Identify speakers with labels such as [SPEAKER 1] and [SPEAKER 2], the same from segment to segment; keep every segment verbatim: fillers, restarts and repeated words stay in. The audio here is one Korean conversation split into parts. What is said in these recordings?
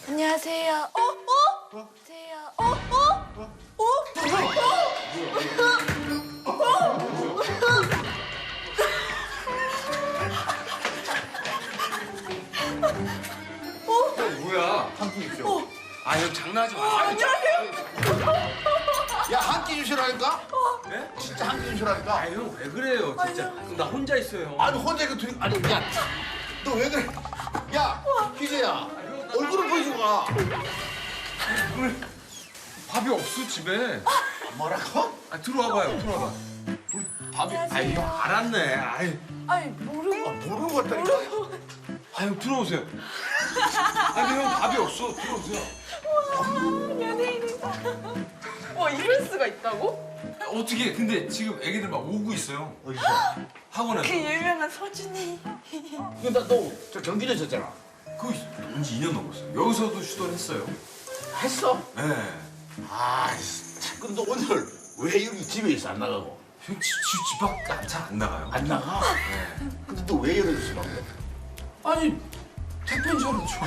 [SPEAKER 1] 안녕하세요. 어? 어? 안녕하세요. 어? 어? 어?
[SPEAKER 2] 뭐야? 한 끼 주시오. 아, 형 장난하지 마.
[SPEAKER 1] 안녕하세요.
[SPEAKER 3] 야, 한 끼 주시라니까?
[SPEAKER 2] 네?
[SPEAKER 3] 진짜 한 끼 주시라니까?
[SPEAKER 2] 아, 형 왜 그래요, 진짜. 나 혼자 있어요.
[SPEAKER 3] 아니, 혼자 이거 둘이, 아니, 야, 너 왜 그래? 야, 희재야, 얼굴을 보여주고 가.
[SPEAKER 2] 오늘 밥이 없어, 집에.
[SPEAKER 3] 뭐라고?
[SPEAKER 2] 아, 들어와봐요, 들어와봐. 우리 밥이, 아이, 형 알았네. 아이,
[SPEAKER 1] 아니 모르고.
[SPEAKER 3] 아, 모르는 것 같다니까?
[SPEAKER 2] 아, 형 들어오세요. 아니, 형 밥이 없어. 들어오세요.
[SPEAKER 1] 연예인이다. 와 이럴 수가 있다고?
[SPEAKER 2] 어떻게, 근데 지금 애기들 막 오고 있어요.
[SPEAKER 3] 어디서?
[SPEAKER 2] 학원에서.
[SPEAKER 1] 그 유명한 서준이.
[SPEAKER 3] 근데 너저 경기도 있었잖아.
[SPEAKER 2] 그거 온지 이 년 넘었어요. 여기서도 슈터를 했어요.
[SPEAKER 3] 했어?
[SPEAKER 2] 네.
[SPEAKER 3] 아, 참, 근데 너 오늘 왜 여기 집에 있어, 안 나가고?
[SPEAKER 2] 형 집, 집, 집 밖 잘 안 나가요.
[SPEAKER 3] 안 나가?
[SPEAKER 2] 네.
[SPEAKER 3] 근데 너 왜 이러지, 방금?
[SPEAKER 2] 아니, 택배인 줄 알았죠.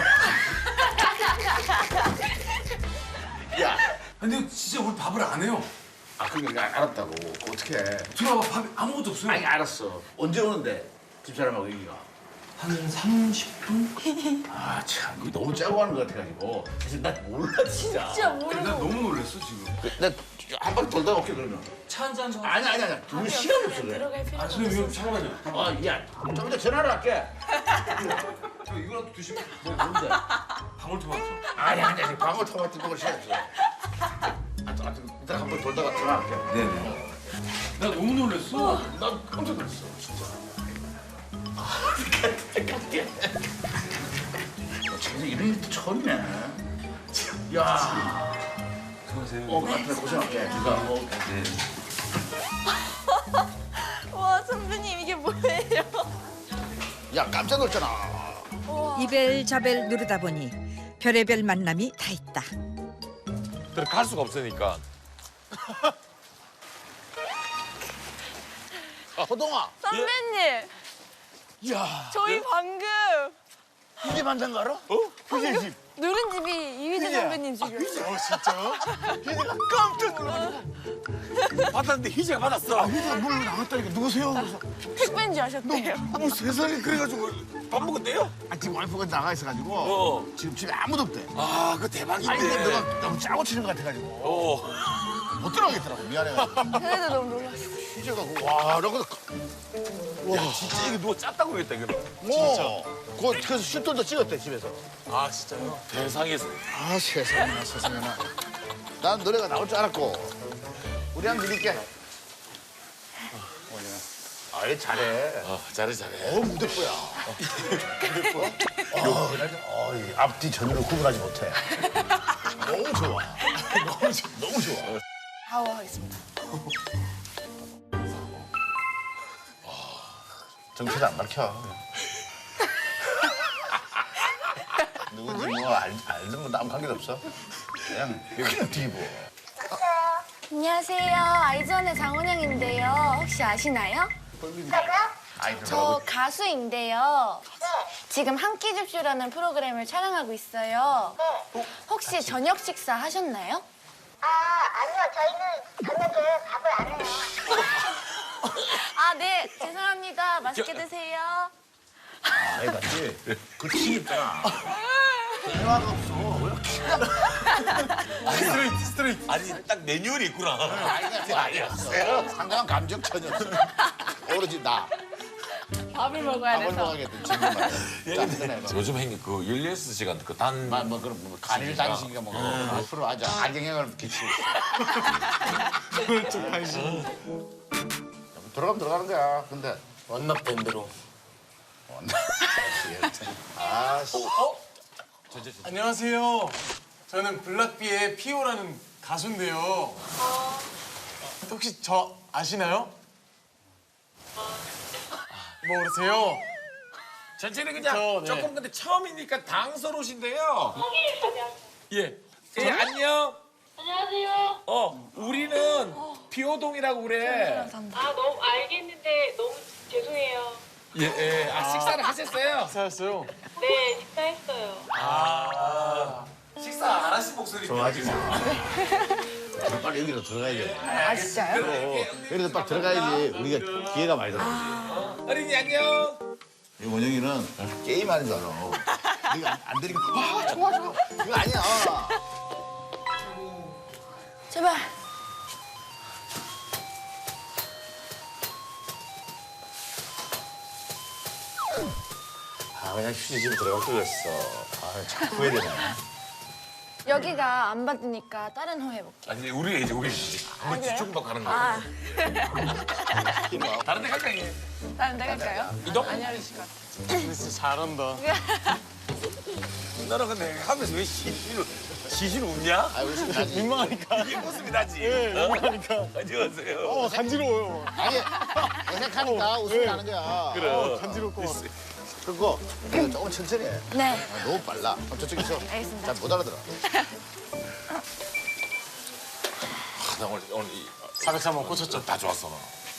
[SPEAKER 3] 야,
[SPEAKER 2] 근데 진짜 우리 밥을 안 해요.
[SPEAKER 3] 아, 그러니까 알았다고. 그거 어떻게 해?
[SPEAKER 2] 들어와봐, 밥이 아무것도 없어요.
[SPEAKER 3] 아니, 알았어. 언제 오는데? 집사람하고 여기가.
[SPEAKER 2] 한 삼십 분?
[SPEAKER 3] 아, 참, 이거 너무 짜고 하는 것 같아가지고. 사실 나 몰라, 진짜.
[SPEAKER 1] 진짜
[SPEAKER 2] 나
[SPEAKER 1] 모르고.
[SPEAKER 2] 너무 놀랐어, 지금.
[SPEAKER 3] 나한 바퀴 돌다가 올게, 그러면.
[SPEAKER 2] 차 한 잔 더.
[SPEAKER 3] 아니, 아니, 아니. 두 시간 없어, 그래.
[SPEAKER 1] 들어갈 필요가
[SPEAKER 2] 아, 선생님,
[SPEAKER 1] 없어.
[SPEAKER 2] 이거 잠깐만요.
[SPEAKER 3] 아, 야, 좀 이따 전화를 할게.
[SPEAKER 2] 저 이거라도 드시면.
[SPEAKER 3] 뭐, 뭔데?
[SPEAKER 2] 방울토마토.
[SPEAKER 3] 아니, 아니, 아니. 방울토마토 먹을 시간 없어. 아, 또, 아, 또 이따 한 번 돌다가 전화할게.
[SPEAKER 2] 네네. 나 너무 놀랐어.
[SPEAKER 3] 난 깜짝 놀랐어, 진짜. 아, 갈게. 어, 진짜 이런 일도 처음이네. 야,
[SPEAKER 2] 수고하세요.
[SPEAKER 3] 어, 나한테 고생할게. 네가 뭐.
[SPEAKER 2] 네.
[SPEAKER 1] 와 선배님 이게 뭐예요?
[SPEAKER 3] 야, 깜짝 놀랐잖아.
[SPEAKER 4] 이벨자벨 누르다 보니 별의별 만남이 다 있다.
[SPEAKER 5] 들어갈 수가 없으니까.
[SPEAKER 3] 호동아.
[SPEAKER 1] 선배님
[SPEAKER 3] 야,
[SPEAKER 1] 저희 방금
[SPEAKER 3] 이게 만든 거 알아? 어? 희재 집.
[SPEAKER 1] 누른 집이 이휘재 선배님 집이었어요.
[SPEAKER 5] 어 진짜요? 희재가 깜짝 놀라가지고 받았는데 희재가 받았어.
[SPEAKER 3] 아, 희재가 물 나갔다니까. 누구세요? 그래서.
[SPEAKER 1] 택배인 줄 아셨대요.
[SPEAKER 5] 뭐 세상에 그래가지고 밥 먹었대요?
[SPEAKER 3] 아, 지금 와이프가 나가 있어가지고.
[SPEAKER 5] 어.
[SPEAKER 3] 지금 집에 아무도 없대.
[SPEAKER 5] 아 그거
[SPEAKER 3] 아니,
[SPEAKER 5] 대박인데.
[SPEAKER 3] 근데 너가 너무 짜고 치는 것 같아가지고.
[SPEAKER 5] 어.
[SPEAKER 3] 못 들어가겠더라고. 미안해가지고.
[SPEAKER 1] 그래도 너무 놀랐어.
[SPEAKER 3] 희재가 그, 와, 나 그래서.
[SPEAKER 5] 야 진짜 이거 누가 짰다고 그랬다 이거.
[SPEAKER 3] 뭐. 그, 그래서 슛돌도 찍었대, 집에서.
[SPEAKER 5] 아 진짜요? 대상에서.
[SPEAKER 3] 아, 세상에나, 세상에나. 난 노래가 나올 줄 알았고. 우리 한번 드릴게. 아, 얘 잘해.
[SPEAKER 5] 아 잘해 잘해.
[SPEAKER 3] 어, 무대뽀야. 무대뽀? 어, 나, 어, 이 앞뒤 전으로 구분하지 못해. 너무 좋아. 너무 좋아. 너무 좋아.
[SPEAKER 1] 아우하겠습니다.
[SPEAKER 3] 정체를 안 밝혀. 누군지 뭐 알, 알든 뭐 아무 관계도 없어. 그냥 그냥 뒤집어.
[SPEAKER 1] 안녕하세요. 아이즈원의 장원영인데요. 혹시 아시나요?
[SPEAKER 3] 아이들
[SPEAKER 1] 저 가수인데요. 지금 한 끼 줍쇼라는 프로그램을 촬영하고 있어요. 혹시 저녁 식사 하셨나요?
[SPEAKER 6] 아, 아니요. 저희는 저녁에 밥을 안 해요.
[SPEAKER 1] 아, 네. 죄송합니다. 맛있게 드세요.
[SPEAKER 3] 아이 맞지? 그 튀김잖아. 대화가 없어. 왜 이렇게
[SPEAKER 5] 스트레이트 스트레이트. 아니 딱 매뉴얼이 있구나.
[SPEAKER 3] 아이가 아니었어요. 상당한 감정천이었어. 오로지 나.
[SPEAKER 1] 밥을 먹어야
[SPEAKER 3] 밥을
[SPEAKER 1] 돼서.
[SPEAKER 3] 먹어야겠다. 지금 짠
[SPEAKER 5] 요즘 행님 그 열여섯 시간 그단
[SPEAKER 3] 뭐, 뭐 그런 뭐 간일 단식이가 뭐 앞으로 아주 악영향을 끼치고 있어.
[SPEAKER 5] 그쪽 관심.
[SPEAKER 3] 들어가면 들어가는 거야. 근데
[SPEAKER 5] 완납된 대로.
[SPEAKER 3] 아, 씨.
[SPEAKER 7] 안녕하세요. 저는 블락비의 피오라는 가수인데요. 혹시 저 아시나요? 모르세요?
[SPEAKER 5] 전체는 그냥
[SPEAKER 7] 저, 네.
[SPEAKER 5] 조금 근데 처음이니까 당서로우신데요. 예. 예 안녕.
[SPEAKER 6] 안녕하세요.
[SPEAKER 5] 어 우리는 비호동이라고 그래.
[SPEAKER 6] 아, 너무 알겠는데 너무 죄송해요.
[SPEAKER 5] 예, 예. 아 식사를 하셨어요?
[SPEAKER 7] 사였어요.
[SPEAKER 6] 네, 식사했어요.
[SPEAKER 5] 아
[SPEAKER 2] 목소리.
[SPEAKER 3] 좋아하지 마. 빨리 여기로 들어가야 돼.
[SPEAKER 1] 아, 진짜요?
[SPEAKER 3] 어, 여기로 빨리 들어가야지. 우리가 기회가 많이 들어.
[SPEAKER 2] 어린이 안녕.
[SPEAKER 3] 이 원영이는 게임하는 줄 알아. 네가 안, 안 되니까 와 좋아 좋아. 이거 아니야.
[SPEAKER 1] 제발.
[SPEAKER 3] 아 그냥 휴지집 들어갈 거였어. 아 자꾸 후회되네.
[SPEAKER 1] 여기가 안 받으니까 다른 호 해볼게.
[SPEAKER 2] 아니 우리 이제 우리 이제 한번 뒤쪽만 가는 거야.
[SPEAKER 1] 아,
[SPEAKER 2] 다른 데 갈까 이게?
[SPEAKER 1] 다른 데 갈까요?
[SPEAKER 2] 이동?
[SPEAKER 7] 진짜 잘한다.
[SPEAKER 2] 너는 근데 하면서 왜 시시를 시시를 웃냐?
[SPEAKER 3] 아 웃음 나지.
[SPEAKER 7] 민망하니까.
[SPEAKER 2] 이게 웃음이 나지.
[SPEAKER 7] 예, 민망하니까.
[SPEAKER 2] 안녕하세요.
[SPEAKER 7] 어, 간지러워요.
[SPEAKER 3] 아니 어색하니까 웃음이 나는 거야.
[SPEAKER 2] 그래.
[SPEAKER 7] 어, 간지럽고.
[SPEAKER 3] 그거 그거 조금 천천히 해.
[SPEAKER 1] 네.
[SPEAKER 3] 아, 너무 빨라. 어, 저쪽에서
[SPEAKER 1] 알겠습니다.
[SPEAKER 3] 잘 못 알아들어.
[SPEAKER 2] 아, 나 오늘 오늘 이,
[SPEAKER 7] 사백삼 번 꽂혔죠.
[SPEAKER 2] 다 좋았어 나.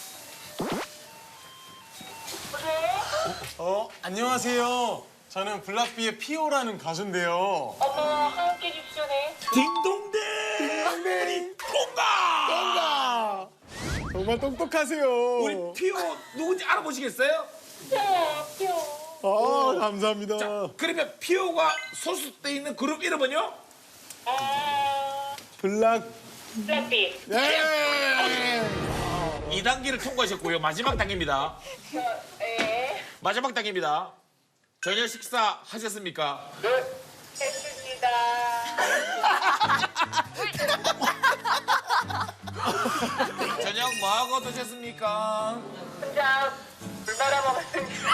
[SPEAKER 7] 어, 안녕하세요. 저는 블락비의 피오라는 가수인데요.
[SPEAKER 6] 어머, 함께 줍쇼네.
[SPEAKER 2] 딩동댕. 딩동댕. 통과.
[SPEAKER 7] 정말 똑똑하세요.
[SPEAKER 2] 우리 피오 누군지 알아보시겠어요?
[SPEAKER 6] 귀여워, 귀여워.
[SPEAKER 7] 아, 감사합니다.
[SPEAKER 2] 자, 그러면 피오가 소속돼 있는 그룹 이름은요?
[SPEAKER 6] 아,
[SPEAKER 7] 블락.
[SPEAKER 6] 블락비.
[SPEAKER 7] 예.
[SPEAKER 2] 이 단계를 통과하셨고요. 마지막 단계입니다.
[SPEAKER 6] 네,
[SPEAKER 2] 마지막 단계입니다. 저녁 식사 하셨습니까?
[SPEAKER 6] 했습니다.
[SPEAKER 2] 저녁 뭐 하고 드셨습니까?
[SPEAKER 6] 혼자 물 말아 먹었습니다.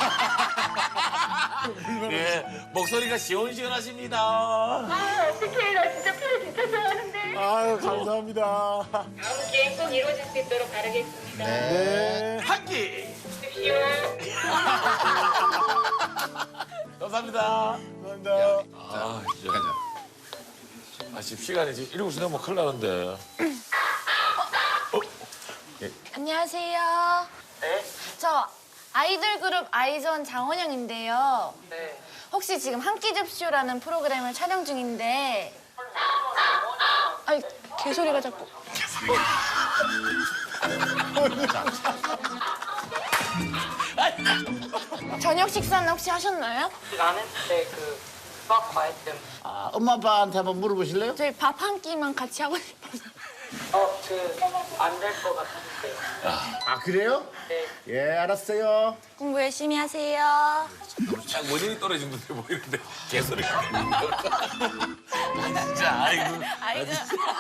[SPEAKER 2] 예, 목소리가 시원시원하십니다.
[SPEAKER 6] 아, 어떡해. 나 진짜 피오 진짜 좋아하는데.
[SPEAKER 7] 아유, 감사합니다.
[SPEAKER 6] 다음 기회 꼭 이루어질 수 있도록 바라겠습니다.
[SPEAKER 7] 네.
[SPEAKER 2] 한 끼.
[SPEAKER 6] 줍쇼.
[SPEAKER 2] 감사합니다.
[SPEAKER 7] 감사합니다.
[SPEAKER 2] 아, 진짜. 아, 지금 시간이 지금 일곱 시 넘으면 큰일 나는데.
[SPEAKER 1] 안녕하세요.
[SPEAKER 6] 네?
[SPEAKER 1] 저 아이돌 그룹 아이즈원 장원영인데요.
[SPEAKER 6] 네.
[SPEAKER 1] 혹시 지금 한 끼 줍쇼라는 프로그램을 촬영 중인데. 아이, 개소리가 자꾸. 저녁 식사는 혹시 하셨나요?
[SPEAKER 8] 나는 그때 그 수학 과외 때문에
[SPEAKER 3] 아, 엄마 아빠한테 한번 물어보실래요?
[SPEAKER 1] 저희 밥 한 끼만 같이 하고 싶어서.
[SPEAKER 8] 어그 안 될 것 같은데
[SPEAKER 3] 아 그래요?
[SPEAKER 8] 네.
[SPEAKER 3] 예 알았어요.
[SPEAKER 1] 공부 열심히 하세요.
[SPEAKER 2] 아, 원인이 떨어진 듯해 보이는데 개소리가. 아, 진짜, 아이고.
[SPEAKER 1] 아이고.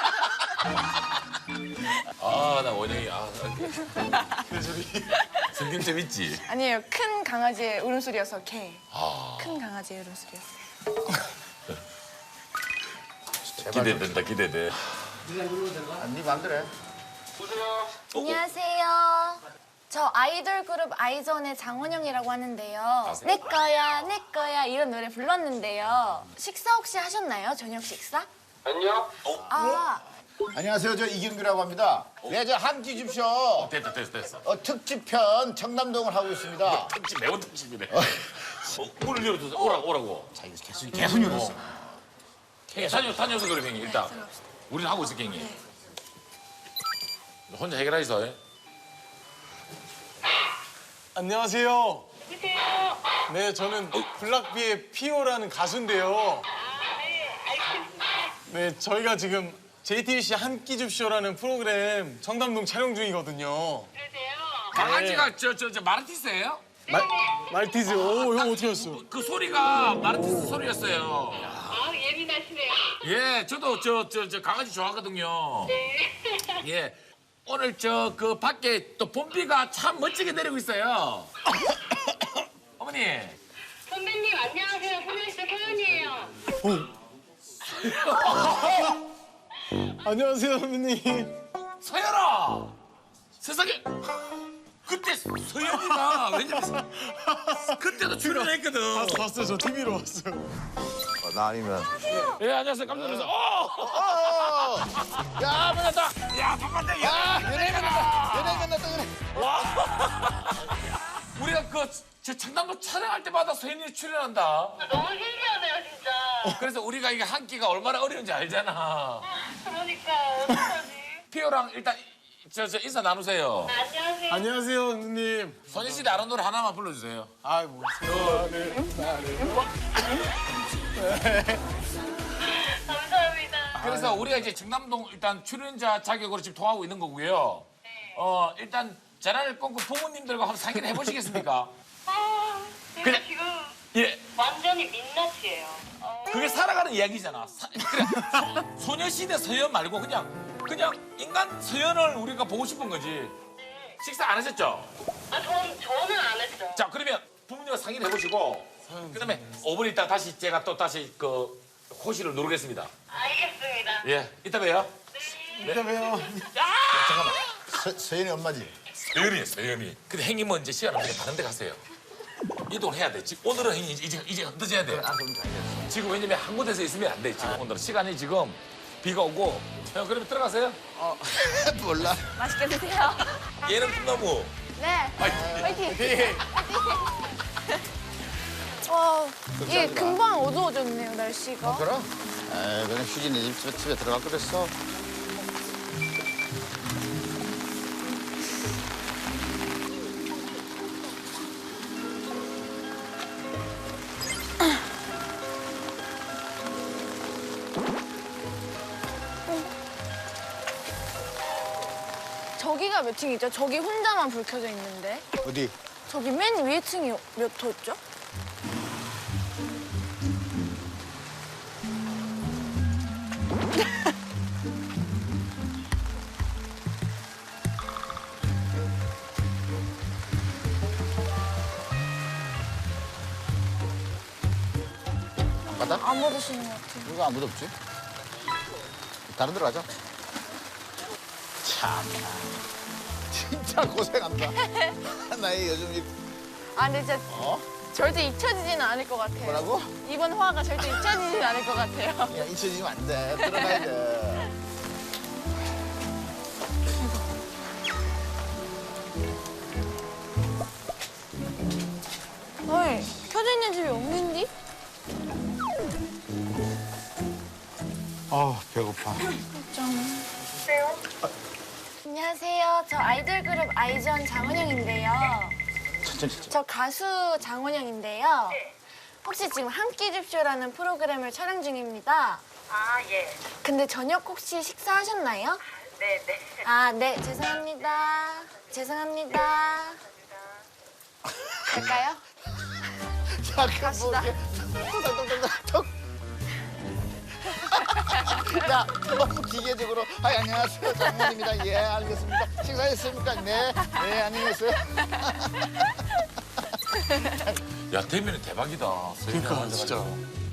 [SPEAKER 2] 아, 나 원영이, 아, 성경점 있지?
[SPEAKER 1] 아니에요. 큰 강아지의 울음소리여서 개. 큰 강아지의 울음소리였어요.
[SPEAKER 2] 기대된다, 기대돼.
[SPEAKER 3] 네 맘대로 해.
[SPEAKER 1] 안녕하세요. 저 아이돌 그룹 아이즈원의 장원영이라고 하는데요. 내 거야, 내 거야 이런 노래 불렀는데요. 식사 혹시 하셨나요? 저녁 식사?
[SPEAKER 8] 아니요
[SPEAKER 1] 아,
[SPEAKER 3] 안녕하세요. 저 이경규라고 합니다. 네, 저 한 끼 줍쇼.
[SPEAKER 2] 됐다, 됐어, 됐어.
[SPEAKER 3] 어, 특집편 청담동을 하고 있습니다.
[SPEAKER 2] 특집, 매운 특집이네. 어, 문을 열어줘서 오라고, 오라고.
[SPEAKER 3] 자, 이거 계속 계속 열었어.
[SPEAKER 2] 형이 다녀, 다녀서 그래, 형이. 일단. 우리는 하고 있을게, 형이. 혼자 해결하이소. 예?
[SPEAKER 7] 안녕하세요.
[SPEAKER 6] 누구세요?
[SPEAKER 7] 네, 저는 블락비의 피오라는 가수인데요.
[SPEAKER 6] 아, 네, 알겠습니다.
[SPEAKER 7] 네, 저희가 지금 제이티비씨 한 끼 줍쇼라는 프로그램 청담동 촬영 중이거든요.
[SPEAKER 6] 그러세요?
[SPEAKER 2] 강아지가 저, 저, 저 마르티스예요?
[SPEAKER 7] 말, 말티즈, 오, 형 어떻게 했어?
[SPEAKER 2] 그 소리가 마르티스 소리였어요.
[SPEAKER 6] 아, 예민하시네요.
[SPEAKER 2] 예, 저도 저, 저, 저 강아지 좋아하거든요.
[SPEAKER 6] 네.
[SPEAKER 2] 예. 오늘 저 그 밖에 또 봄비가 참 멋지게 내리고 있어요. 어머니.
[SPEAKER 6] 선배님, 안녕하세요. 소녀시대 소연이에요.
[SPEAKER 7] 안녕하세요, 선배님.
[SPEAKER 2] 서연아. 세상에. 그때 서연이가 왜냐면 그때도 출연했거든.
[SPEAKER 7] 봤어요, 저 티비로 왔어요.
[SPEAKER 3] 어, 나 아니면.
[SPEAKER 2] 예, 안녕하세요. 깜짝 놀라서. 어!
[SPEAKER 3] 어! 야, 만났다.
[SPEAKER 2] 야, 반갑다.
[SPEAKER 3] 야,
[SPEAKER 2] 야,
[SPEAKER 3] 연예인 만났다. 연예인 만났다. 그래.
[SPEAKER 2] 우리가 그 저 청담도 촬영할 때마다 서연이 출연한다.
[SPEAKER 6] 너무 신기하네요, 진짜.
[SPEAKER 2] 그래서 우리가 이게 한 끼가 얼마나 어려운지 알잖아.
[SPEAKER 6] 그러니까요. 어떡하지?
[SPEAKER 2] 피오랑 일단 저, 저 인사 나누세요.
[SPEAKER 6] 안녕하세요.
[SPEAKER 7] 안녕하세요, 누님.
[SPEAKER 2] 소녀시대 아는 노래 하나만 불러주세요.
[SPEAKER 7] 아, 뭐.
[SPEAKER 6] 감사합니다.
[SPEAKER 2] 그래서 우리가 이제 청담동 일단 출연자 자격으로 지금 통하고 있는 거고요. 어 일단 전화를 끊고 부모님들과 한번 상의를 해보시겠습니까?
[SPEAKER 6] 아, 제가
[SPEAKER 2] 그냥-
[SPEAKER 6] 지금
[SPEAKER 2] 예.
[SPEAKER 6] 완전히 민낯이에요. 어,
[SPEAKER 2] 그게 살아가는 이야기잖아. 사- 그래, 소- 소녀시대 서연 말고 그냥 그냥 인간 서연을 우리가 보고 싶은 거지. 식사 안 하셨죠?
[SPEAKER 6] 아, 전, 저는 안 했죠.
[SPEAKER 2] 자 그러면 부모님과 상의를 해보시고 그다음에 오 분 있다 다시 제가 또 다시 그 호시를 누르겠습니다.
[SPEAKER 6] 알겠습니다.
[SPEAKER 2] 예, 이따 봬요.
[SPEAKER 7] 이따 봬요.
[SPEAKER 3] 잠깐만. 서, 서연이 엄마지?
[SPEAKER 2] 서연이에요, 서연이. 근데 형님은 이제 시간 없으니까 다른 데 가세요. 이동을 해야 돼. 지금 오늘은 형님 이제 이제 흩어져야 돼. 지금 왜냐면 한 곳에서 있으면 안 돼. 지금 오늘은 시간이 지금 비가 오고. 형 그러면 들어가세요.
[SPEAKER 3] 몰라.
[SPEAKER 1] 맛있게 드세요.
[SPEAKER 2] 얘는 꿈나무.
[SPEAKER 1] 네. 화이팅.
[SPEAKER 7] 네.
[SPEAKER 1] 와, 이게 금방 어두워졌네요, 날씨가.
[SPEAKER 3] 그럼? 에 그냥 휴진이 집에, 집에 들어갈 그랬어.
[SPEAKER 1] 저기가 몇 층이죠? 저기 혼자만 불 켜져 있는데.
[SPEAKER 3] 어디?
[SPEAKER 1] 저기 맨 위에 층이 몇 호죠?
[SPEAKER 3] 안 받아?
[SPEAKER 1] 안 받으시는 것 같아요.
[SPEAKER 3] 누가 아무도 없지? 다른 데로 가자. 참. 진짜 고생한다. 나이 요즘 이
[SPEAKER 1] 아, 근데 진짜
[SPEAKER 3] 어?
[SPEAKER 1] 절대 잊혀지지는 않을 것 같아요.
[SPEAKER 3] 뭐라고?
[SPEAKER 1] 이번 화가 절대 잊혀지지는 않을 것 같아요.
[SPEAKER 3] 야, 잊혀지면 안 돼. 들어가야 돼.
[SPEAKER 1] 어이, 켜져 있는 집이 없는디?
[SPEAKER 3] 아, 배고파.
[SPEAKER 1] 안녕하세요. 저 아이돌 그룹 아이즈원 장원영인데요.
[SPEAKER 3] 천천히 진짜.
[SPEAKER 1] 저 가수 장원영인데요. 혹시 지금 한 끼 줍쇼라는 프로그램을 촬영 중입니다.
[SPEAKER 6] 아, 예.
[SPEAKER 1] 근데 저녁 혹시 식사하셨나요?
[SPEAKER 6] 네, 네.
[SPEAKER 1] 아, 네. 죄송합니다. 죄송합니다. 갈까요?
[SPEAKER 3] 야, 그
[SPEAKER 1] 갑시다.
[SPEAKER 3] 톡톡톡톡. 야, 너무 기계적으로. 아, 안녕하세요. 장모입니다. 예, 알겠습니다. 식사했습니까? 네. 네, 안녕히 계세요.
[SPEAKER 2] 야 대면은 대박이다.
[SPEAKER 7] 그러니까, 진짜.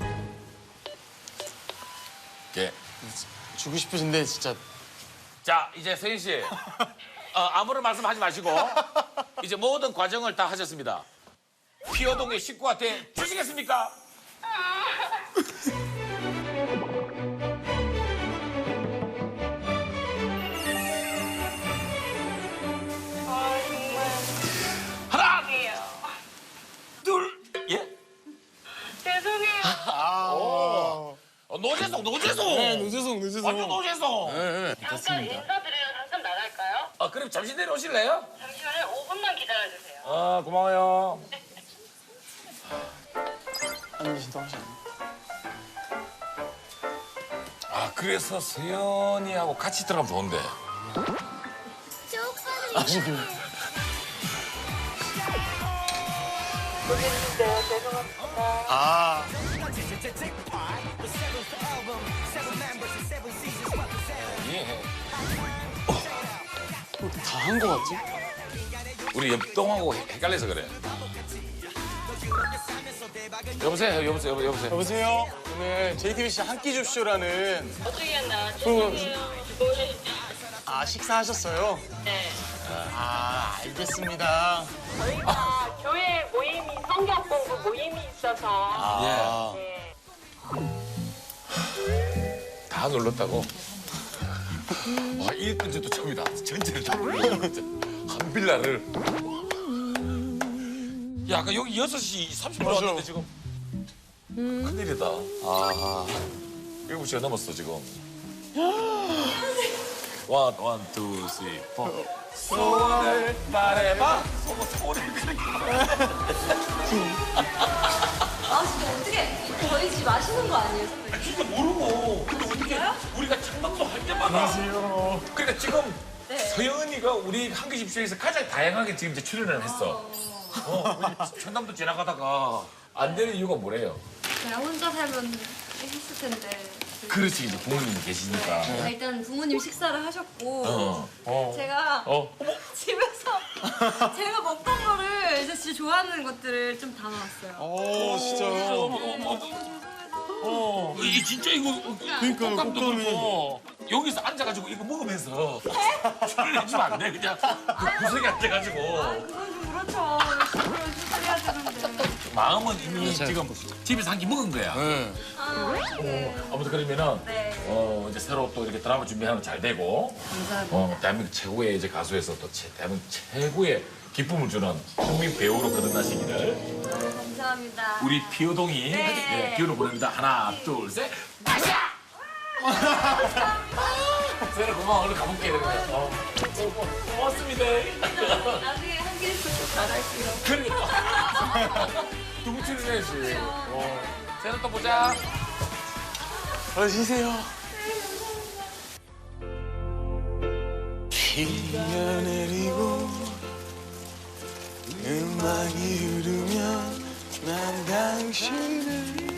[SPEAKER 2] 예.
[SPEAKER 7] 주고 싶으신데, 진짜.
[SPEAKER 2] 자 이제 서인 씨 어, 아무런 말씀하지 마시고 이제 모든 과정을 다 하셨습니다. 피어동의 식구한테 주시겠습니까?
[SPEAKER 6] 아, 정말.
[SPEAKER 2] 하나,
[SPEAKER 6] 죄송해요.
[SPEAKER 2] 둘, 예?
[SPEAKER 6] 죄송해요.
[SPEAKER 2] 어, 노재송, 노재송.
[SPEAKER 7] 네, 노재송, 노재송.
[SPEAKER 2] 완전 노재송.
[SPEAKER 6] 잠깐 인사드리러 잠깐 나갈까요?
[SPEAKER 2] 아 그럼 잠시 내려오실래요?
[SPEAKER 6] 잠시만요. 오 분만 기다려주세요.
[SPEAKER 2] 아 고마워요.
[SPEAKER 7] 안 계신다 하시네.
[SPEAKER 2] 아 그래서 서연이하고 같이 들어가면 좋은데.
[SPEAKER 6] 모르겠는데 죄송합니다.
[SPEAKER 7] 아,
[SPEAKER 2] 예.
[SPEAKER 7] 다 한 거 같지?
[SPEAKER 2] 우리 옆동하고 헷- 헷갈려서 그래. 여보세요, 여보세요, 여보, 여보세요.
[SPEAKER 7] 여보세요? 오늘 제이티비씨 한 끼 줍쇼라는.
[SPEAKER 6] 어떻게 했나?
[SPEAKER 7] 그거-
[SPEAKER 6] 죄송해요.
[SPEAKER 7] 아, 식사하셨어요?
[SPEAKER 6] 네.
[SPEAKER 7] 아, 알겠습니다.
[SPEAKER 6] 저희가 교회 모임이 성경 공부 모임이 있어서
[SPEAKER 2] 아,
[SPEAKER 6] 네.
[SPEAKER 2] 다 눌렀다고? 와, 일 번째도 처음이다. 전체를 다 눌렀어, 진짜. 한 빌라를. 야, 아까 여기 여섯 시 삼십 분
[SPEAKER 7] 맞아.
[SPEAKER 2] 왔는데 지금. 큰일이다. 아. 일곱 시가 넘었어 지금. 원, 원, 투, 쓰리, 포. 소원을 말해봐. 소원, 소원을
[SPEAKER 9] 아 진짜 어떻게 저희 집 아시는 거 아니에요? 선배님?
[SPEAKER 2] 진짜 모르고. 근데 어떻게 우리가 창밖도 할 때마다.
[SPEAKER 7] 안녕하세요.
[SPEAKER 2] 그러니까 지금
[SPEAKER 9] 네.
[SPEAKER 2] 서영은이가 우리 한기집쇼에서 가장 다양하게 지금 이제 출연을 했어. 어, 우리 천담도 지나가다가 안 되는 이유가 뭐래요?
[SPEAKER 9] 제가 혼자 살면 했을 텐데.
[SPEAKER 2] 그렇지, 이제 부모님이 계시니까.
[SPEAKER 9] 네, 일단 부모님 식사를 하셨고
[SPEAKER 2] 어. 어.
[SPEAKER 9] 제가
[SPEAKER 2] 어.
[SPEAKER 9] 집에서 제가 먹던 거를 이제 진짜 좋아하는 것들을 좀 담아왔어요.
[SPEAKER 7] 오 진짜요?
[SPEAKER 2] 어, 이 진짜 이거
[SPEAKER 7] 그러니까요,
[SPEAKER 2] 꽃감도
[SPEAKER 7] 꽃감이.
[SPEAKER 2] 그렇고 여기서 앉아가지고 이거 먹으면서 출연해주면 안 돼? 그냥 그 구석에 앉아가지고
[SPEAKER 9] 그건 좀 그렇죠. 식으로 살려야 되는데.
[SPEAKER 2] 마음은 이미 지금 집에서 한 끼 먹은 거야.
[SPEAKER 7] 네.
[SPEAKER 9] 아, 네.
[SPEAKER 2] 아무튼 그러면은
[SPEAKER 9] 네.
[SPEAKER 2] 어 이제 새로 또 이렇게 드라마 준비하는 잘 되고
[SPEAKER 9] 감사합니다.
[SPEAKER 2] 어 대한민국 최고의 이제 가수에서 또 최, 대한민국 최고의 기쁨을 주는 국민 배우로 거듭나시기를
[SPEAKER 9] 감사합니다.
[SPEAKER 2] 우리 피오동이
[SPEAKER 9] 네.
[SPEAKER 2] 예, 기운을 보냅니다. 하나, 둘, 셋, 마샤! 세라 고마워. 얼른 가볼게. 이러면. 어. 고- 고맙습니다.
[SPEAKER 9] 나중에 한 길씩 꼭 나갈게요.
[SPEAKER 2] 그러니까. 누구 출연해야지. 어. 세라 또 보자.
[SPEAKER 7] 어, 쉬세요. 비가 내리고 음악이 흐르면 난 당신을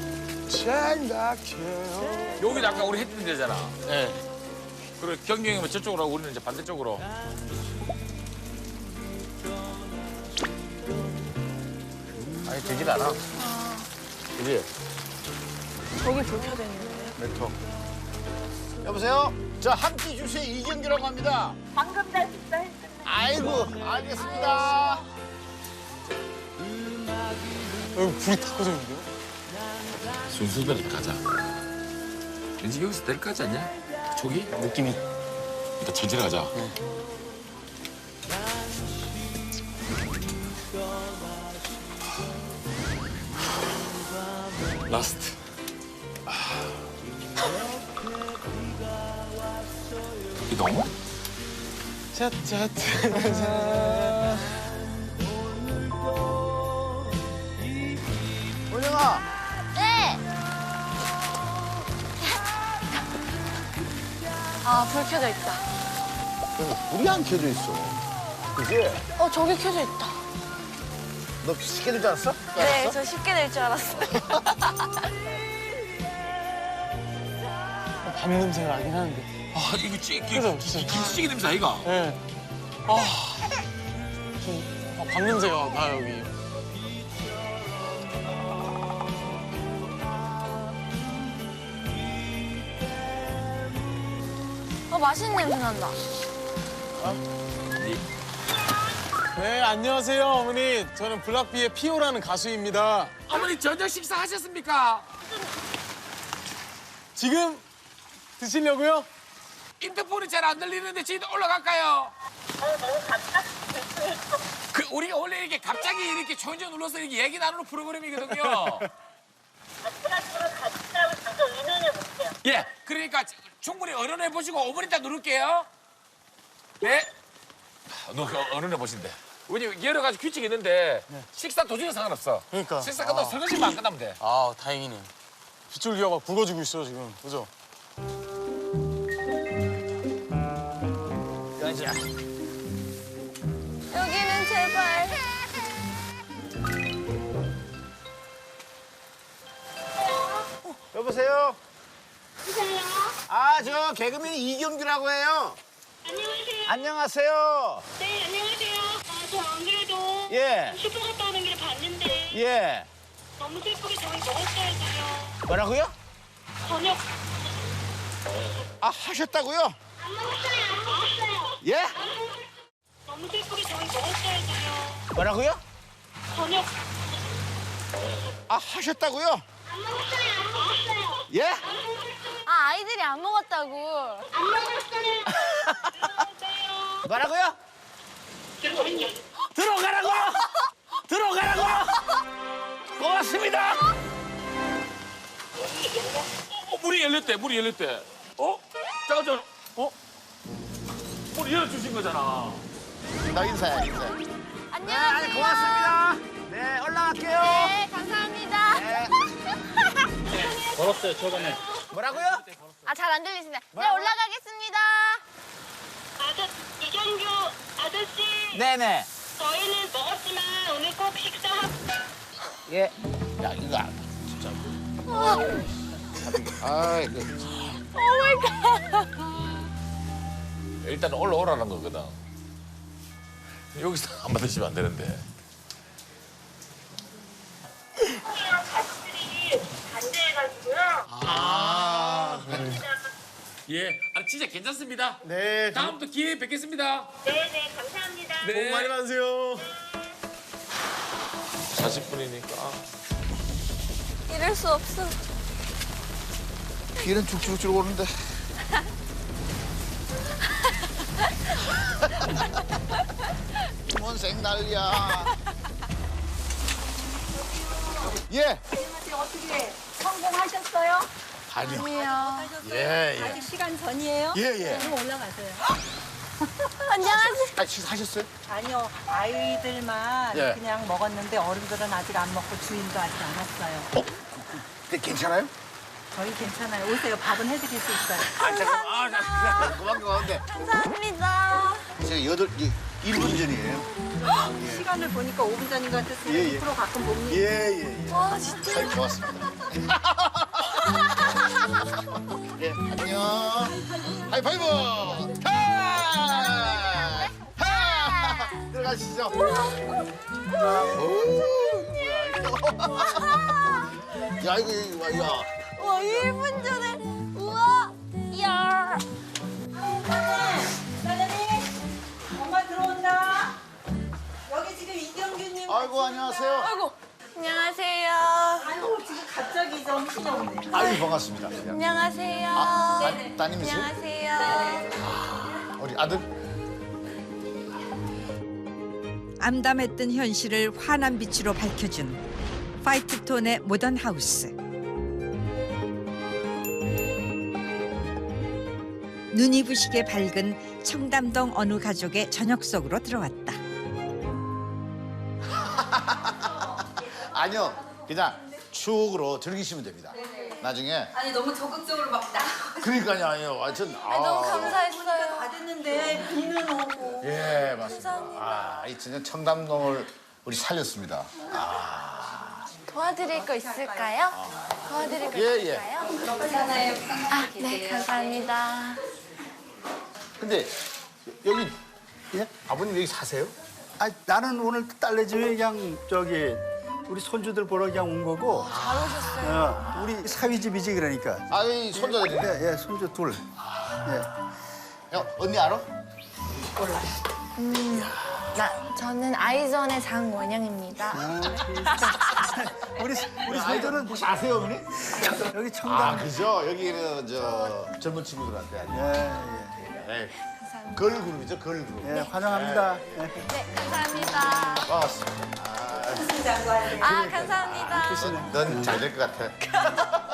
[SPEAKER 7] 생각해요.
[SPEAKER 2] 여기 아까 우리 했던 데잖아.
[SPEAKER 7] 네.
[SPEAKER 2] 그래, 경경이 형은 저쪽으로 하고 우리는 이제 반대쪽으로.
[SPEAKER 3] 아니 되질 않아. 그지?
[SPEAKER 1] 저기 불 켜져 있는데.
[SPEAKER 3] 메토. 여보세요? 저 한끼 주시의 이경규라고 합니다.
[SPEAKER 6] 방금 다 식사했습니다.
[SPEAKER 3] 아이고 알겠습니다.
[SPEAKER 7] 여기 불이 다 꺼져 있는데요?
[SPEAKER 2] 순서대로 가자. 왠지 여기서 될 거 같지 않냐? 저기?
[SPEAKER 7] 느낌이.
[SPEAKER 2] 일단 천천히 가자. 라스트. 이동.
[SPEAKER 7] 차차차차.
[SPEAKER 3] 원영아.
[SPEAKER 1] 네. 아, 불 켜져 있다.
[SPEAKER 3] 불이 안 켜져 있어. 그지?
[SPEAKER 1] 어, 저기 켜져 있다.
[SPEAKER 3] 너 쉽게 될 줄 알았어?
[SPEAKER 1] 네,
[SPEAKER 3] 알았어?
[SPEAKER 1] 저 쉽게 될 줄 알았어요.
[SPEAKER 7] 밥 냄새가 나긴 하는데.
[SPEAKER 2] 아, 이거 찌,
[SPEAKER 7] 그죠, 그죠.
[SPEAKER 2] 김치찌개 냄새 아이가?
[SPEAKER 7] 네. 아. 좀, 아, 밥 냄새가 나, 여기.
[SPEAKER 1] 어, 맛있는 냄새 난다.
[SPEAKER 7] 네, 안녕하세요, 어머니. 저는 블락비의 피오라는 가수입니다.
[SPEAKER 2] 어머니 저녁 식사 하셨습니까?
[SPEAKER 7] 지금 드시려고요?
[SPEAKER 2] 인터폰이 잘 안 들리는데 저희도 올라갈까요? 그 우리가 원래 이렇게 갑자기 이렇게 초인종 눌러서 이렇게 얘기 나누는 프로그램이거든요.
[SPEAKER 6] 플러스로 같이 하고 잠깐 의논해 볼게요.
[SPEAKER 2] 예, 그러니까 충분히 어른해 보시고 오 분 있다 누를게요. 네. 너 어른해 보신대. 왜냐면 여러 가지 규칙이 있는데 식사 도중에 상관없어.
[SPEAKER 7] 그러니까.
[SPEAKER 2] 식사 끝나고 설거지만 안 끝나면 돼.
[SPEAKER 7] 아, 다행이네. 빗줄기가 막 굵어지고 있어, 지금. 그죠?
[SPEAKER 3] 여자.
[SPEAKER 1] 여기는 제발.
[SPEAKER 3] 여보세요?
[SPEAKER 6] 여보세요?
[SPEAKER 3] 아, 저 개그맨 이경규라고 해요.
[SPEAKER 6] 안녕하세요.
[SPEAKER 3] 안녕하세요.
[SPEAKER 6] 네, 안녕하세요. 아, 저 안 그래도
[SPEAKER 3] 예.
[SPEAKER 6] 슈퍼 갔다 오는 길에 봤는데
[SPEAKER 3] 예.
[SPEAKER 6] 너무 슬프게 저희 먹었어요.
[SPEAKER 3] 뭐라고요?
[SPEAKER 6] 저녁
[SPEAKER 3] 아, 하셨다고요?
[SPEAKER 6] 안 먹었어요. 안 먹었어요.
[SPEAKER 3] 예?
[SPEAKER 6] 너무 슬프게 저희 먹었어요.
[SPEAKER 3] 뭐라고요?
[SPEAKER 6] 저녁
[SPEAKER 3] 아, 하셨다고요?
[SPEAKER 6] 안 먹었어요. 안 먹었어요.
[SPEAKER 3] 예?
[SPEAKER 1] 아, 아이들이 안 먹었다고.
[SPEAKER 6] 안 먹었어요. 들어오세요.
[SPEAKER 3] 뭐라고요? 들어가라고! 들어가라고! 고맙습니다!
[SPEAKER 2] 어, 문이 열렸대, 문이 열렸대. 어? 잠깐, 잠깐. 어? 문이 열어주신 거잖아.
[SPEAKER 3] 나 인사해, 인사.
[SPEAKER 1] 안녕하세요.
[SPEAKER 5] 고맙습니다. 네, 올라갈게요.
[SPEAKER 1] 네, 감사합니다.
[SPEAKER 5] 걸었어요, 저번에. 뭐라고요?
[SPEAKER 1] 아, 잘 안 들리시네. 네, 올라가겠습니다.
[SPEAKER 6] 아저 이경규 아저씨
[SPEAKER 5] 네네.
[SPEAKER 6] 저희는 먹었지만 오늘 꼭 식사하고
[SPEAKER 5] 예.
[SPEAKER 3] 야, 이거 안 진짜. 아, 이거.
[SPEAKER 2] 일단 올라오라는 거거든. 여기서 안 받으시면 안 되는데.
[SPEAKER 6] 형이랑 가족들이 반대해가지고요.
[SPEAKER 2] 아. 예, 아, 진짜 괜찮습니다.
[SPEAKER 7] 네.
[SPEAKER 2] 다음부터 기회에 뵙겠습니다.
[SPEAKER 6] 네네 감사합니다.
[SPEAKER 2] 네.
[SPEAKER 7] 많이 받으세요.
[SPEAKER 2] 사십 분이니까.
[SPEAKER 1] 이럴 수 없어.
[SPEAKER 3] 비는 쭉쭉쭉 오는데. 원생 난리야. 예.
[SPEAKER 9] 어떻게 성공하셨어요?
[SPEAKER 3] 아니요.
[SPEAKER 1] 아니요.
[SPEAKER 3] 예, 예.
[SPEAKER 9] 아직 시간 전이에요?
[SPEAKER 3] 예, 예.
[SPEAKER 9] 그럼 올라가세요.
[SPEAKER 1] 안녕하세요.
[SPEAKER 3] 아, 식사하셨어요?
[SPEAKER 10] 아니요, 아이들만
[SPEAKER 3] 예.
[SPEAKER 10] 그냥 먹었는데 어른들은 아직 안 먹고 주인도 아직 안 왔어요.
[SPEAKER 3] 어? 근데 괜찮아요?
[SPEAKER 10] 저희 괜찮아요. 오세요. 밥은 해드릴 수 있어요.
[SPEAKER 3] 아, 잠깐만. 아, 잠깐만. 고맙게 고맙는데.
[SPEAKER 1] 감사합니다.
[SPEAKER 3] 제가 여덟, 이, 일 분 전이에요.
[SPEAKER 10] 시간을 보니까 오 분 전인 것 같았어요.
[SPEAKER 3] 예, 예.
[SPEAKER 10] 이 프로 가끔 봅니다.
[SPEAKER 3] 예, 예, 예.
[SPEAKER 1] 와, 진짜.
[SPEAKER 3] 잘 고맙습니다. 예, 안녕. 하이파이브! 하! 하! 들어가시죠. 오, 뭐야, 이거. 야, 이거, 이거, 야.
[SPEAKER 1] 와, 일 분 전에. 우와. 이야.
[SPEAKER 10] 사장님, 엄마 들어온다. 여기 지금 이경규님.
[SPEAKER 3] 아이고, 안녕하세요.
[SPEAKER 1] 아이고. 안녕하세요.
[SPEAKER 10] 아이고, 지금 갑자기 정신이 없네.
[SPEAKER 3] 아유, 반갑습니다.
[SPEAKER 1] 안녕하세요.
[SPEAKER 3] 아, 따- 따님이세요?
[SPEAKER 1] 안녕하세요.
[SPEAKER 3] 우리 아들?
[SPEAKER 4] 암담했던 현실을 환한 빛으로 밝혀준 파이트톤의 모던 하우스. 눈이 부시게 밝은 청담동 어느 가족의 저녁 속으로 들어왔다.
[SPEAKER 3] 아니요, 그냥 추억으로 즐기시면 됩니다. 나중에.
[SPEAKER 9] 아니 너무 적극적으로 막 나.
[SPEAKER 3] 그러니까요, 아니요, 완전.
[SPEAKER 1] 아, 너무 감사했어요.
[SPEAKER 10] 다 됐는데 비는 오고.
[SPEAKER 3] 예, 맞습니다. 아, 이 진짜 청담동을 우리 살렸습니다.
[SPEAKER 1] 도와드릴 거 있을까요? 도와드릴 거
[SPEAKER 3] 예, 예.
[SPEAKER 1] 있을까요? 아, 네, 감사합니다.
[SPEAKER 3] 근데 여기 예? 아버님 여기 사세요?
[SPEAKER 5] 아, 나는 오늘 딸내집에 그냥 저기 우리 손주들 보러 그냥 온 거고.
[SPEAKER 1] 잘 오셨어요.
[SPEAKER 5] 어, 우리 사위 집이지 그러니까.
[SPEAKER 3] 아, 이 손자들이.
[SPEAKER 5] 예, 예, 손주 둘. 예.
[SPEAKER 3] 야, 언니 알아?
[SPEAKER 1] 나, 저는 아이전의 장원영입니다.
[SPEAKER 5] 우리 우리 손주는
[SPEAKER 3] 혹시 아세요, 어머니?
[SPEAKER 5] 여기
[SPEAKER 3] 아,
[SPEAKER 5] 청담.
[SPEAKER 3] 그죠? 여기는 저 젊은 친구들한테 아주.
[SPEAKER 5] 예,
[SPEAKER 3] 네. 걸그룹이죠, 걸그룹.
[SPEAKER 5] 예, 예, 환영합니다. 예.
[SPEAKER 1] 네, 감사합니다.
[SPEAKER 3] 반갑습니다.
[SPEAKER 1] 아, 감사합니다.
[SPEAKER 3] 넌 잘 될 것 같아.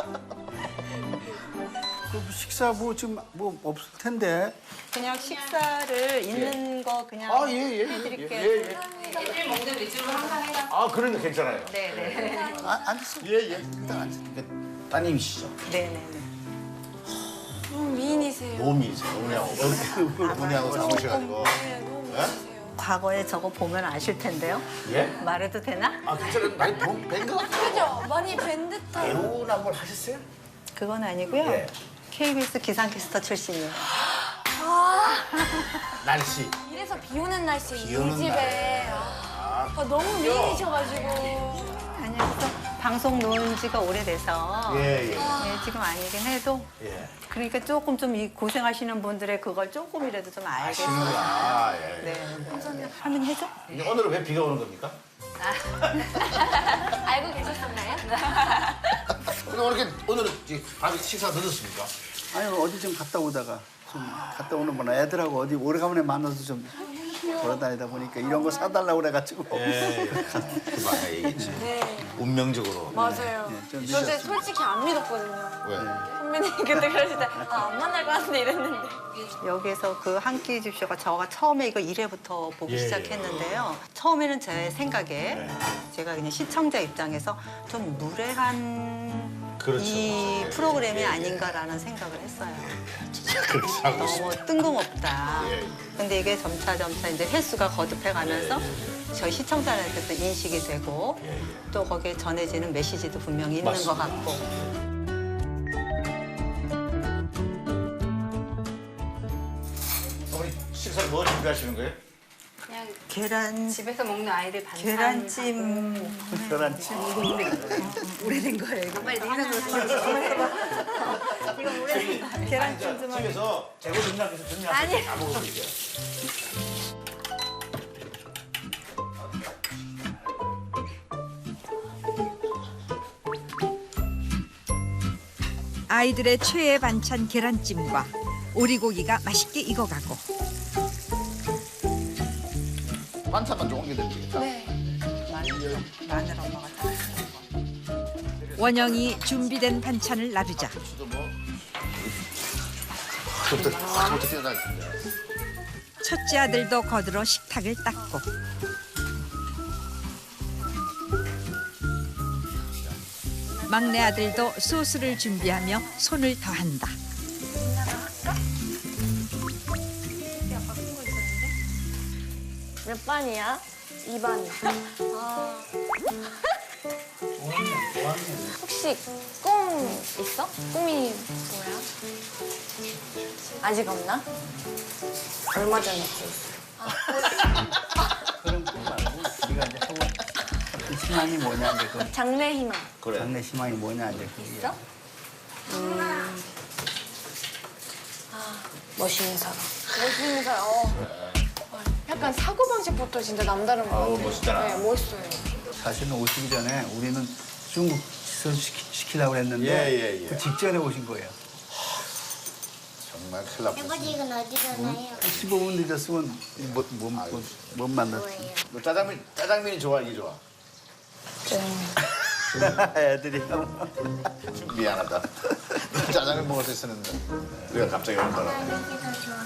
[SPEAKER 5] 그 식사 뭐 지금 뭐 없을 텐데.
[SPEAKER 10] 그냥 식사를 있는 거 그냥
[SPEAKER 3] 아, 예, 예.
[SPEAKER 10] 해드릴게요.
[SPEAKER 3] 예, 예.
[SPEAKER 9] 애들 먹는 위주로 항상 해가.
[SPEAKER 3] 아, 그러니까 괜찮아요.
[SPEAKER 10] 네네.
[SPEAKER 5] 아, 앉으세요.
[SPEAKER 3] 예, 예. 일단 앉으세요. 따님이시죠?
[SPEAKER 10] 네네네.
[SPEAKER 1] 음, 미인이세요.
[SPEAKER 3] 몸이세요. 어머니하고. 어머니하고 사무셔가지고.
[SPEAKER 1] 네, 너무 미인이세요.
[SPEAKER 10] 과거에 저거 보면 아실 텐데요.
[SPEAKER 3] 예?
[SPEAKER 10] 말해도 되나?
[SPEAKER 3] 아, 괜찮아요. 많이 뵌것 같아요.
[SPEAKER 1] 그죠? 많이 뵌 듯한.
[SPEAKER 3] 배우나 뭘 하셨어요?
[SPEAKER 10] 그건 아니고요.
[SPEAKER 3] 예.
[SPEAKER 10] 케이비에스 기상캐스터 출신이에요.
[SPEAKER 3] 날씨.
[SPEAKER 1] 이래서 비 오는 날씨에
[SPEAKER 3] 비
[SPEAKER 1] 이
[SPEAKER 3] 오는
[SPEAKER 1] 집에. 아, 너무 미인이셔가지고.
[SPEAKER 10] 아니, 그래서 방송 놓은 지가 오래돼서
[SPEAKER 3] 예, 예.
[SPEAKER 10] 예, 지금 아니긴 해도
[SPEAKER 3] 예.
[SPEAKER 10] 그러니까 조금 좀 이 고생하시는 분들의 그걸 조금이라도 좀 알겠어요.
[SPEAKER 3] 아, 예.
[SPEAKER 10] 네. 할머니 해줘?
[SPEAKER 3] 근데 오늘은 왜 비가 오는 겁니까?
[SPEAKER 1] 알고 계셨었나요?
[SPEAKER 3] 근데 오늘 오늘은 이제 밥이 식사 늦었습니까?
[SPEAKER 5] 아니 어디 좀 갔다 오다가 좀 갔다 오는 거나 애들하고 어디 오래간만에 만나서 좀 돌아다니다 보니까 이런 거 사달라고 그래가지고.
[SPEAKER 3] 예, 그 아까 얘기했지. 운명적으로.
[SPEAKER 1] 맞아요.
[SPEAKER 5] 네, 좀
[SPEAKER 1] 저 이제
[SPEAKER 5] 믿었습니다.
[SPEAKER 1] 솔직히 안 믿었거든요.
[SPEAKER 3] 왜?
[SPEAKER 1] 선배님 그때 그러실 때 아, 안 만날 것 같은데 이랬는데.
[SPEAKER 10] 여기서 그 한 끼 줍쇼가 저가 처음에 이거 일 회부터 보기
[SPEAKER 3] 예,
[SPEAKER 10] 시작했는데요. 처음에는 제 생각에 제가 그냥 시청자 입장에서 좀 무례한
[SPEAKER 3] 그렇죠.
[SPEAKER 10] 이 프로그램이 아닌가라는 생각을 했어요.
[SPEAKER 3] 그렇게 하고 싶어.
[SPEAKER 10] 너무 뜬금없다.
[SPEAKER 3] 예.
[SPEAKER 10] 근데 이게 점차 점차 이제 횟수가 거듭해가면서 저희 시청자들한테도 인식이 되고 또 거기에 전해지는 메시지도 분명히 있는 것 같고.
[SPEAKER 3] 어머니 식사 뭐 준비하시는 거예요?
[SPEAKER 9] 그냥
[SPEAKER 10] 계란
[SPEAKER 9] 집에서 먹는 아이들 반찬.
[SPEAKER 10] 계란찜.
[SPEAKER 5] 계란찜.
[SPEAKER 10] 오래된 거예요. 이거 빨리 냉장고에 이거 오래된 거. 계란찜 좀 하게.
[SPEAKER 3] 집에서 재고 준비하셔서 준비하세요. 다 먹어볼게요.
[SPEAKER 4] 아이들의 최애 반찬 계란찜과 오리고기가 맛있게 익어가고
[SPEAKER 3] 반찬만 좀 옮겨드리면 되겠다.
[SPEAKER 1] 네.
[SPEAKER 10] 마늘, 마늘 엄마가 다.
[SPEAKER 4] 원영이 준비된 반찬을 나르자
[SPEAKER 3] 수도 뭐. 그것도 그것도 뛰어나겠습니다.
[SPEAKER 4] 첫째 아들도 거들어 식탁을 닦고 막내 아들도 소스를 준비하며 손을 더한다.
[SPEAKER 1] 몇 반이야? 이 반. 아. 혹시 꿈 있어? 꿈이 뭐야? 아직 없나? 얼마 전에 꿨어.
[SPEAKER 5] 그런 꿈 말고 우리가 이제 하고 싶은 희망이 뭐냐 이제 그
[SPEAKER 1] 장래 희망.
[SPEAKER 3] 그래.
[SPEAKER 5] 장래 희망이 뭐냐 이제 그게.
[SPEAKER 1] 있어? 음. 아, 멋있는 사람. 멋있는 사람. 어. 약간 사고방식부터 진짜 남다른 것 같아요.
[SPEAKER 3] 아우, 멋있잖아.
[SPEAKER 1] 네, 멋있어요.
[SPEAKER 5] 사실은 오시기 전에 우리는 중국 시술 시키, 시키려고 그랬는데
[SPEAKER 3] 예, 예, 예.
[SPEAKER 5] 그 직전에 오신 거예요.
[SPEAKER 3] 정말 큰일 났어.
[SPEAKER 6] 아버지 이건 어디 가나요?
[SPEAKER 5] 십오 분 늦었으면 못, 못, 못, 못 만났지.
[SPEAKER 3] 너 짜장면 짜장면이 좋아 이게 좋아?
[SPEAKER 5] 애들이
[SPEAKER 3] 미안하다. 짜장면 먹을 수 있었는데 우리가 갑자기 온 거라.
[SPEAKER 6] 아버지 더 좋아.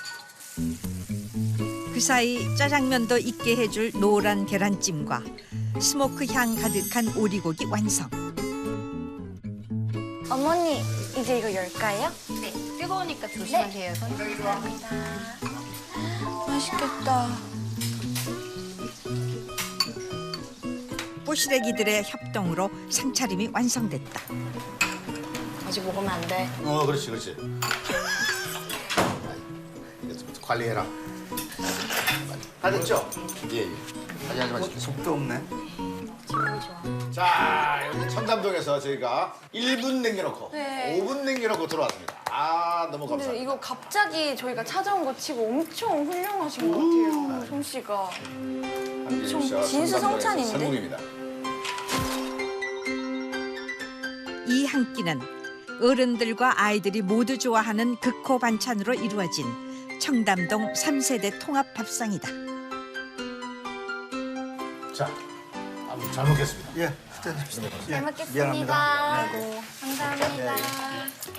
[SPEAKER 4] 그 사이 짜장면도 있게 해줄 노란 계란찜과 스모크 향 가득한 오리고기 완성.
[SPEAKER 1] 어머니, 이제 이거 열까요?
[SPEAKER 9] 네. 뜨거우니까 조심하세요. 손.
[SPEAKER 1] 감사합니다. 맛있겠다.
[SPEAKER 4] 뽀시래기들의 협동으로 상차림이 완성됐다.
[SPEAKER 1] 아직 먹으면 안 돼.
[SPEAKER 3] 어 그렇지 그렇지. 이거 좀 관리해라. 다 됐죠? 예. 예. 하지 하지 마시고.
[SPEAKER 5] 속도 없네.
[SPEAKER 3] 자 여기 청담동에서 저희가 일 분 남겨놓고
[SPEAKER 1] 네.
[SPEAKER 3] 오 분 남겨놓고 들어왔습니다. 아 너무
[SPEAKER 1] 근데
[SPEAKER 3] 감사합니다.
[SPEAKER 1] 이거 갑자기 저희가 찾아온 거 치고 엄청 훌륭하신 것 같아요. 솜씨가. 엄청 진수성찬인데?
[SPEAKER 3] 성공입니다.
[SPEAKER 4] 이 한 끼는 어른들과 아이들이 모두 좋아하는 극호 반찬으로 이루어진 청담동 삼 세대 통합 밥상이다.
[SPEAKER 3] 자, 아무 잘 먹겠습니다.
[SPEAKER 5] 예, 식사하십시오.
[SPEAKER 1] 잘
[SPEAKER 5] 예,
[SPEAKER 1] 먹겠습니다.
[SPEAKER 5] 미안합니다.
[SPEAKER 1] 아이고, 감사합니다.